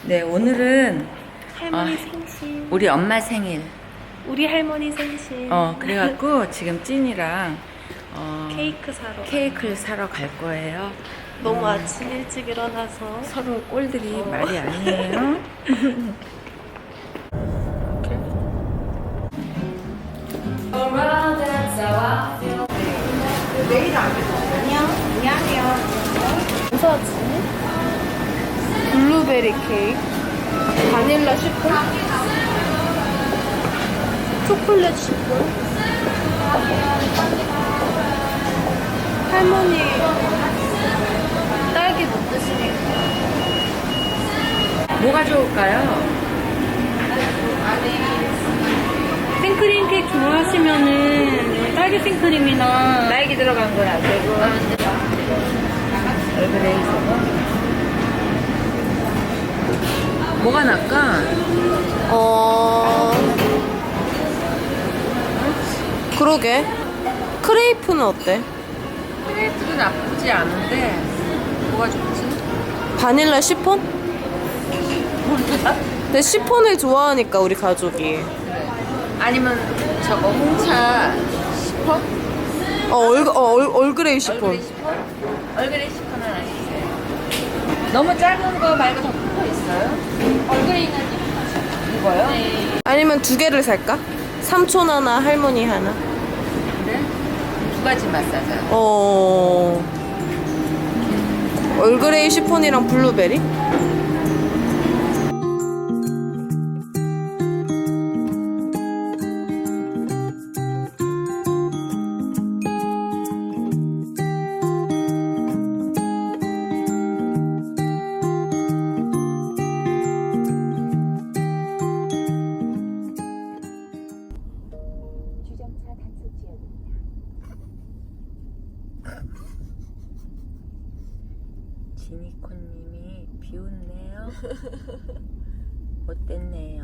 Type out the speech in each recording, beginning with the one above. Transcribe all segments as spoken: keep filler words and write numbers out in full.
네, 오늘은 할머니 어, 생신. 우리 엄마 생일. 우리 할머니 생신. 어, 그래갖고 지금 찐이랑 어, 케이크 사러. 케이크를 사러 갈 거예요. 너무 음, 아침 일찍 일어나서. 서로 꼴들이 어. 말이 아니에요. 무서웠지? 블루베리 케이크, 바닐라 슈폰, 초콜릿 슈폰. 할머니 딸기 못 드시니까. 뭐가 좋을까요? 생크림 케이크 좋아하시면은 딸기 생크림이나 딸기 들어간 건 안 되고. 얼굴에 있어서. 뭐가 날까? 어... 그러게. 크레이프는 어때? 크레이프도 나쁘지 않은데 뭐가 좋지? 바닐라 시폰? 근데 시폰을 좋아하니까 우리 가족이. 그래. 아니면 저거 홍차 시퍼? 어, 얼, 어, 얼, 얼그레이 시폰. 얼그레이 시퍼? 얼그레이 시퍼는 아니세요? 너무 작은 거 말고 더 큰 거 있어요? 얼그레이는 이거요? 네. 아니면 두 개를 살까? 삼촌 하나, 할머니 하나. 그래? 두 가지 맛 사자. 어. 얼그레이 시폰이랑 블루베리? 주정차 단속 지역입니다. 지니코님이 비웃네요. 못됐네요.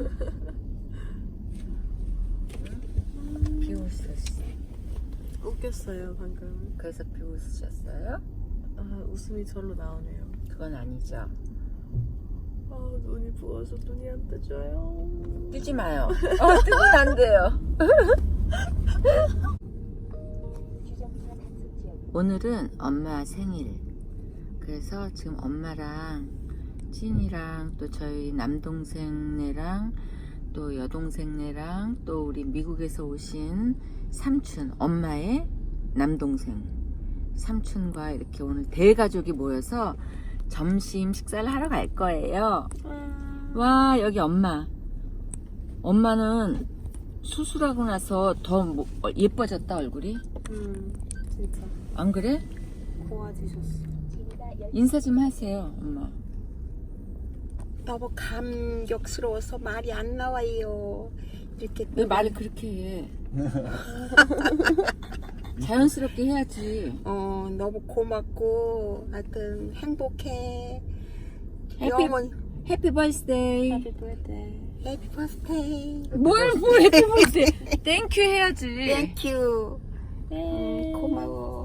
응? 비웃으셨어. 웃겼어요, 방금. 그래서 비웃으셨어요? 아, 웃음이 절로 나오네요. 그건 아니죠. 아, 눈이 부어서 눈이 안 뜨져요. 뜨지 마요. 어, 뜨면 안 돼요. 주정차 단속 지역입니다. 오늘은 엄마 생일. 그래서 지금 엄마랑 찐이랑 또 저희 남동생네랑 또 여동생네랑 또 우리 미국에서 오신 삼촌, 엄마의 남동생 삼촌과 이렇게 오늘 대가족이 모여서 점심 식사를 하러 갈 거예요. 와, 여기 엄마. 엄마는 수술하고 나서 더 뭐- 예뻐졌다, 얼굴이. 음, 진짜. 안 그래? 고와지셨어. 인사 좀 하세요, 엄마. 너무 감격스러워서 말이 안 나와요. 이렇게 왜 말을 그렇게 해? 자연스럽게 해야지. 어 너무 고맙고 하여튼 행복해. 해피, 영원 해피 버스데이. Happy birthday. 해피 버스데이. 뭘, 뭘 해피 버스데이. 땡큐 해야지. 땡큐. 음, 고마워.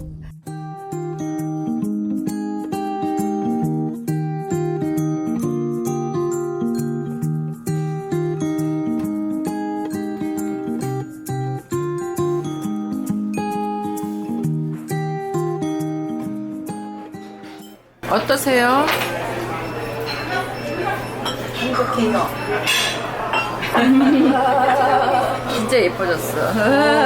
어떠세요? 행복해요. 진짜 예뻐졌어.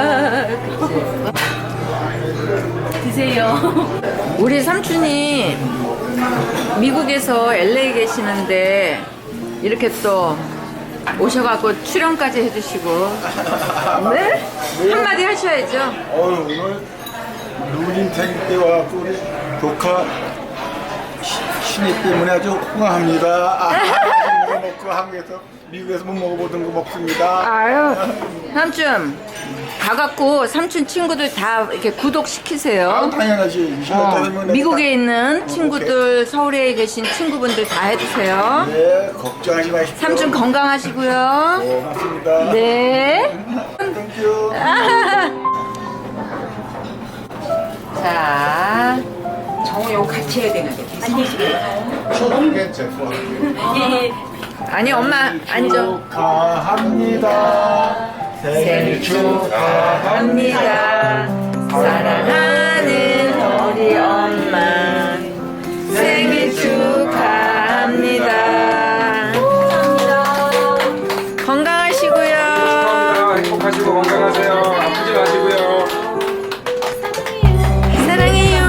그치? 드세요. 우리 삼촌이 미국에서 엘에이 계시는데 이렇게 또 오셔갖고 출연까지 해주시고. 네? 한마디 하셔야죠. 어, 오늘 누님 생일 때 와갖고 우리 조카 시- 신입 때문에 아주 호강합니다. 아, 맛있는 거 먹고 한국에서 미국에서 못 먹어보던 거 먹습니다. 아유, 삼촌 가갖고 삼촌 친구들 다 이렇게 아, 구독시키세요. 당연하지. 어, 미국에 있는 어, 친구들, 서울에 계신 친구분들 다 해주세요. 네, 걱정하지 마십시오. 삼촌 건강하시고요. 고맙습니다. 네. 땡큐. 자, 정우 이거 같이 해야 되는데. 저게 제 거. 아니 엄마 앉아. 축하합니다. 생일 축하합니다. 사랑하는 우리 엄마 생일 축하합니다. 건강하시고요. 행복하시고 건강하세요. 아프지 마시고요. 사랑해요.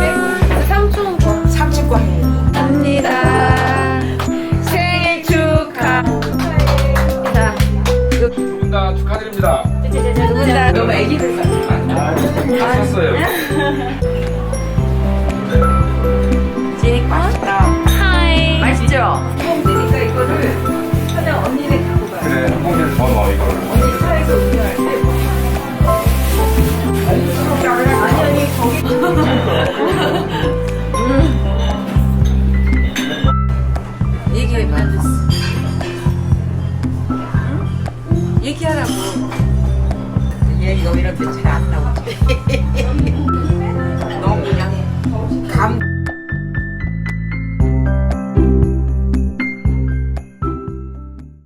삼촌과 해. 합니다. 생일 축하. 자, 두 분 다 축하드립니다. 누군다 너무 애기들 같아. 다 샀어요. 지니까 맛있다. 하이. 맛있죠? 처음 드니까 이거를 하나 언니네 갖고 가요. 그래, 한 봉지를 더 넣어 이거를. 언니 차에서 운전할 때. 아니 아니 거기. 얘기해봐. 응? 얘기하라고. 얘 이거 이렇게 잘 안 나와.